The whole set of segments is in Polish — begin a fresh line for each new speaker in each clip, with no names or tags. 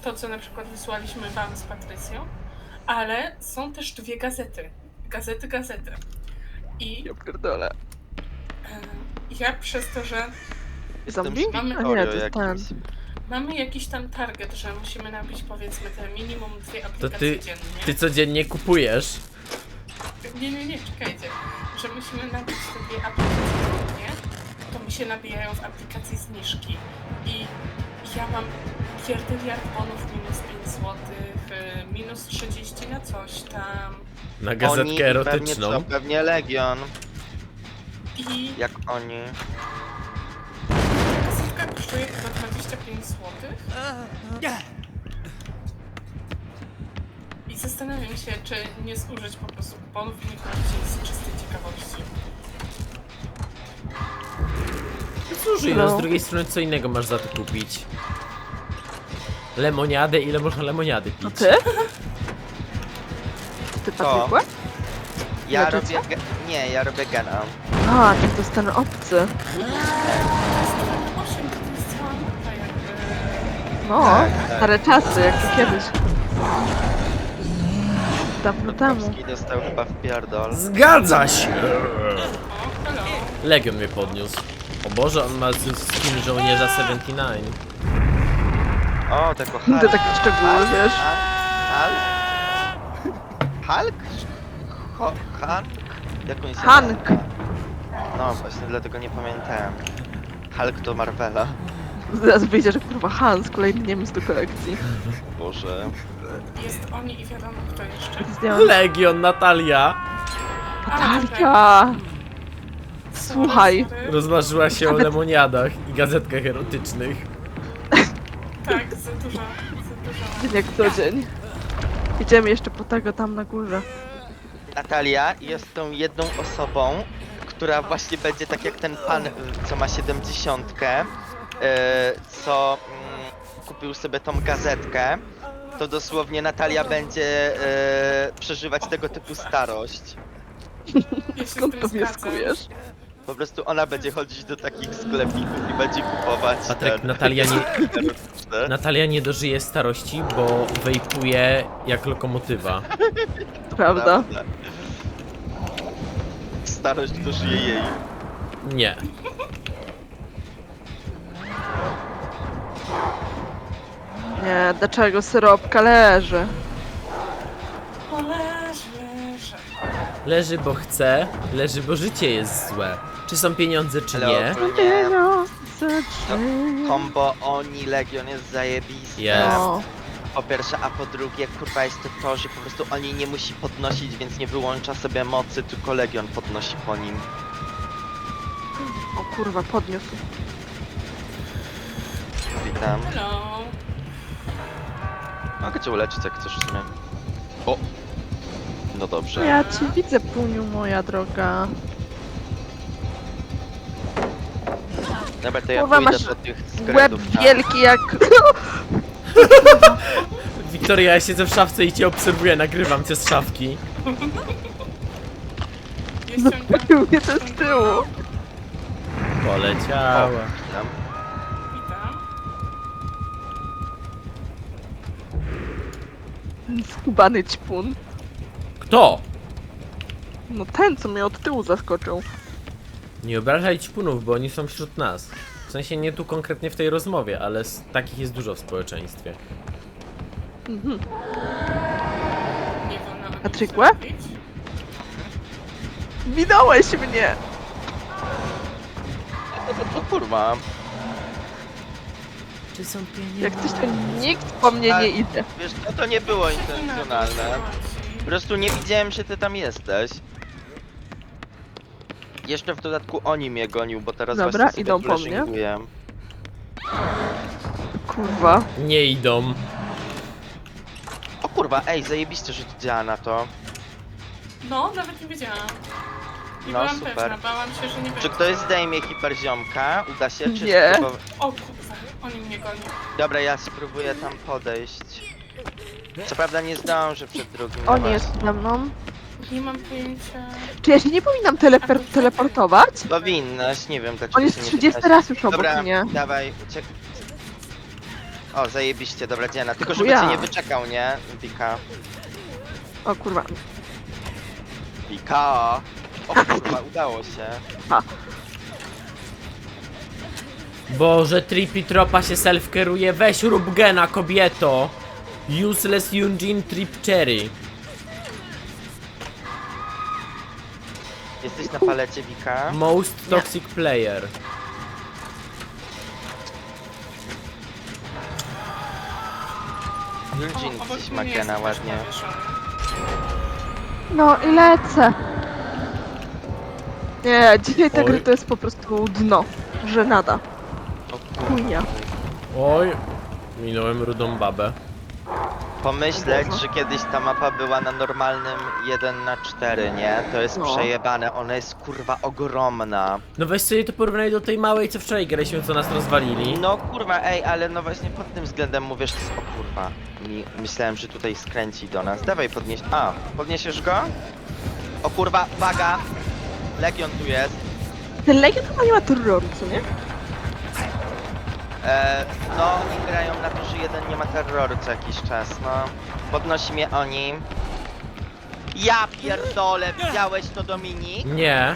to, co na przykład wysłaliśmy wam z Patrycją, ale są też dwie gazety. Gazety. I
Ja pierdolę.
ja przez to, że
Zombie?
Mamy-
A nie, to jest ten.
mamy jakiś tam target, że musimy nabić powiedzmy te minimum 2
To
aplikacje
ty
dziennie.
codziennie kupujesz.
Nie, czekajcie. Że musimy nabić te 2 aplikacje dziennie, to mi się nabijają w aplikacji zniżki. I ja mam pierdyliard bonów minus 5 zł, minus 30 na coś tam.
Na gazetkę
Oni
erotyczną.
pewnie Legion.
I
Jak oni.
gazetka kosztuje chyba 25 zł. I zastanawiam się, czy nie zużyć po prostu kuponów i nie kupić jej z czystej ciekawości.
Słuchaj, no z drugiej strony co innego masz za to kupić? Lemoniadę, ile można lemoniady pić?
To ty? Ty Patrykła?
Ja
Leczycie?
robię. Nie, ja robię gena.
A, czy to jest ten obcy.
8 to jest cała mapa jakby.
No,
Tak.
stare czasy, jak to kiedyś. Dawno temu.
Polski dostał chyba w pierdol.
Zgadza się!
O, hello.
Legion mnie podniósł. O Boże, on ma skin żołnierza 79.
O, tego
To
Hulk.
takie szczegóły, wiesz.
Hulk? Hulk? Jak on się
Hank.
nazywa? No właśnie, dlatego nie pamiętałem. Hulk to Marvela.
Zaraz wyjdzie, że kurwa Hans, kolejny Niemiec do kolekcji.
Boże.
Jest oni i wiadomo kto jeszcze.
Zdjąłem.
Legion, Natalia!
Natalia! Słuchaj.
Rozmarzyła się o lemoniadach i gazetkach erotycznych.
Tak, za dużo.
Dzień jak co dzień. Idziemy jeszcze po tego tam na górze.
Natalia jest tą jedną osobą, która właśnie będzie tak jak ten pan, co ma 70, co kupił sobie tą gazetkę. To dosłownie Natalia będzie przeżywać tego typu starość.
Ja się
Skąd
z
to
tym
wnioskujesz?
Po prostu ona będzie chodzić do takich sklepików i będzie kupować
Patryk,
ten-
Natalia nie dożyje starości, bo wejpuje jak lokomotywa.
Prawda?
Starość dożyje jej.
Nie.
Nie, dlaczego syropka leży?
O, leży.
Leży, bo chce, leży, bo życie jest złe. Czy są pieniądze, czy
Ale
nie?
ogólnie
Pieniądze, czy...
kombo oni Legion jest zajebiste.
Jest.
No.
Po pierwsze, a po drugie, kurwa jest to, że po prostu oni nie musi podnosić, więc nie wyłącza sobie mocy, tylko Legion podnosi po nim.
O kurwa, podniósł.
Witam.
Hello.
Mogę cię uleczyć jak chcesz w sumie. O! No dobrze.
Ja ci widzę, Puniu, moja droga.
Dobra, to ja
Kurwa,
pójdę
masz
do tych
Łeb
skredów.
wielki jak...
Wiktoria, ja siedzę w szafce i cię obserwuję, nagrywam cię z szafki.
Ja ściągam.
Zabił mnie to z tyłu.
Poleciała.
Witam.
Witam.
Skubany ćpun.
Kto?
No ten, co mnie od tyłu zaskoczył.
Nie obrażaj ćpunów, bo oni są wśród nas. W sensie nie tu konkretnie w tej rozmowie, ale takich jest dużo w społeczeństwie.
Mhm.
Nie wolno o nim
Patrykłe?
mówić.
Minąłeś mnie!
O kurwa.
Czy są pieniądze?
Jak coś to nikt po mnie nie idzie.
Wiesz, no to nie było intencjonalne. Po prostu nie widziałem, że ty tam jesteś. Jeszcze w dodatku oni mnie gonił, bo teraz
Dobra,
właśnie sobie
idą po mnie.
flashinguję.
Kurwa.
Nie idą.
O kurwa, ej, zajebiście, że to działa na to.
No, nawet nie wiedziałam. Nie
No,
byłam
super.
pewna, bałam się, że nie będzie.
Czy ktoś zdejmie hiperziomka? Uda się? Czy
Nie.
O kurwa, oni mnie gonią.
Dobra, ja spróbuję tam podejść. Co prawda nie zdążę przed drugim.
On
no
jest
właśnie.
ze mną.
Nie mam pojęcia.
Czy ja się nie powinnam teleportować?
Powinnaś, nie wiem dlaczego
On jest
się nie
30
pytasz.
raz już obok
Dobra,
mnie.
dawaj, O, zajebiście, dobra Diana. Tylko żeby
Ja.
cię nie wyczekał, nie? Wika.
O kurwa.
Wika. O kurwa, udało się.
Boże, Trippy Tropa się self-keruje. Weź rób gena, kobieto. Useless Eugene Trip Cherry.
Jesteś na palecie, Wika?
Most toxic player.
Eugene
Obok
gdzieś
mnie
ma
jest
gena
też
ładnie.
zawieszony.
No i lecę. Nie, dzisiaj ta
Oj.
gra to jest po prostu dno. Żenada.
O
Chujnia.
Oj, minąłem rudą babę.
Pomyśleć, że kiedyś ta mapa była na normalnym 1/4, nie? To jest
No.
przejebane, ona jest kurwa ogromna.
No weź sobie to porównaj do tej małej, co wczoraj graliśmy, co nas rozwalili.
No kurwa, ej, ale no właśnie pod tym względem mówię, że to jest, o kurwa. Myślałem, że tutaj skręci do nas. Dawaj podnieś. A, podniesiesz go? O kurwa, uwaga! Legion tu jest.
Ten Legion chyba nie ma terroru, co nie?
No, oni grają na to, że jeden nie ma terroru co jakiś czas, no. Podnosi mnie oni. Ja pierdolę, widziałeś to, Dominik?
Nie.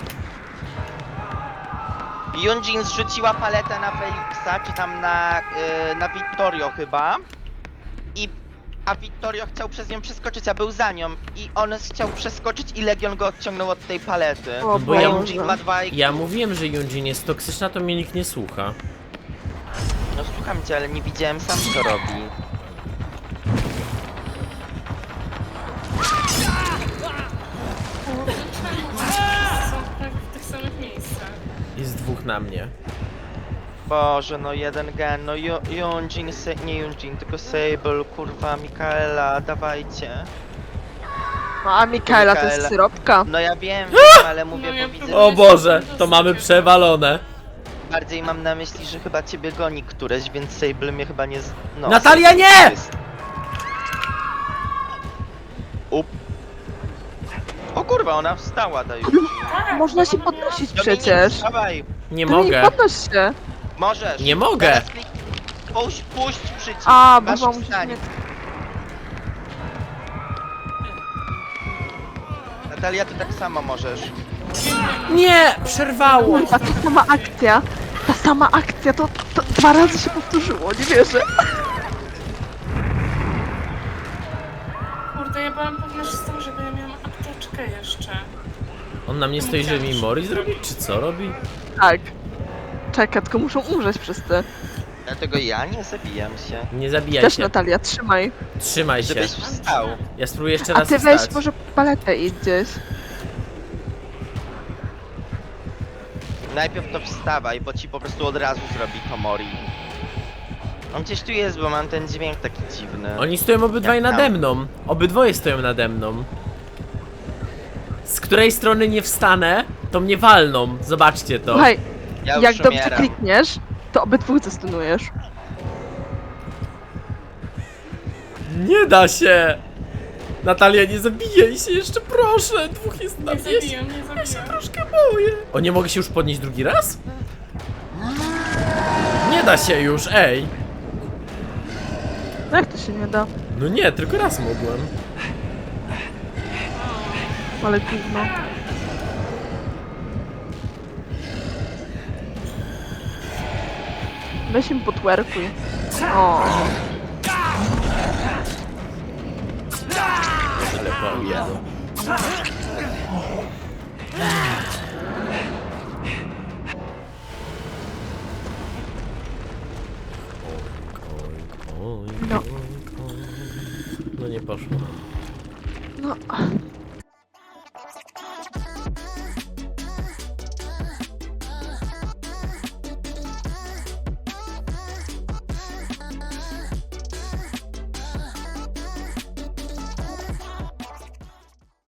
Yunjin zrzuciła paletę na Felixa, czy tam na Vittorio chyba. A Vittorio chciał przez nią przeskoczyć, a był za nią. I on chciał przeskoczyć i Legion go odciągnął od tej palety.
O
bo ja
Boże.
Yunjin ma 2 i...
Ja mówiłem, że Eugene jest toksyczna, to mnie nikt nie słucha.
No słucham cię, ale nie widziałem sam co robi.
Kurde, czemu? Są prawie w tych samych miejscach.
Jest dwóch na mnie.
Boże, no jeden gen, no Yunjin, nie Yunjin, tylko Sable, kurwa, Mikaela, dawajcie.
No, a Mikaela to jest
Mikaela.
syropka.
No ja wiem, ale mówię,
No ja
bo widzę,
próbuję
O Boże, to mamy przewalone.
bardziej mam na myśli, że chyba ciebie goni któreś, więc Sable mnie chyba nie... No,
Natalia,
Sable
nie!
jest. Up. O kurwa, ona wstała, daj.
Tak,
Można
bo
się
ona
podnosić
Dominik,
przecież.
Wstawaj,
Nie
Dominik,
mogę.
podnoś się.
możesz.
Nie mogę.
Teraz puść przycisk.
A,
masz
bo musisz
wstań.
mnie...
Natalia, ty tak samo możesz.
Nie! Przerwało!
Kurwa, ta sama akcja. Ta sama akcja, to 2 razy się powtórzyło, nie wierzę.
Kurde, ja byłam pewna, że z tym, żeby ja miałam apteczkę jeszcze.
On na mnie stoi, żeby mi mori zrobić, czy co robi?
Tak. Czekaj, tylko muszą umrzeć wszyscy.
Dlatego ja nie zabijam się.
Nie zabijaj
Też
się.
Natalia, trzymaj.
Trzymaj się.
Żebyś wstał.
Ja spróbuję jeszcze
A
raz
ty weź
wstać.
może paletę idź gdzieś.
Najpierw to wstawaj, bo ci po prostu od razu zrobi to Mori. On gdzieś tu jest, bo mam ten dźwięk taki dziwny.
Oni stoją obydwaj
Jak tam?
nade mną. Obydwoje stoją nade mną. Z której strony nie wstanę, to mnie walną. Zobaczcie to.
Słuchaj,
Ja już
jak dobrze
umieram.
klikniesz, to obydwu zestunujesz.
Nie da się! Natalia, nie zabijaj się jeszcze, proszę! Dwóch jest na
Nie
mnie.
zabijam, nie zabijam.
Troszkę boję. O, nie mogę się już podnieść drugi raz? Nie da się już, ej!
No jak to się nie da?
No nie, tylko raz mogłem.
Ale gówno. Weź im potwerkuj. O,
Ale boję.
no.
No nie poszło.
No,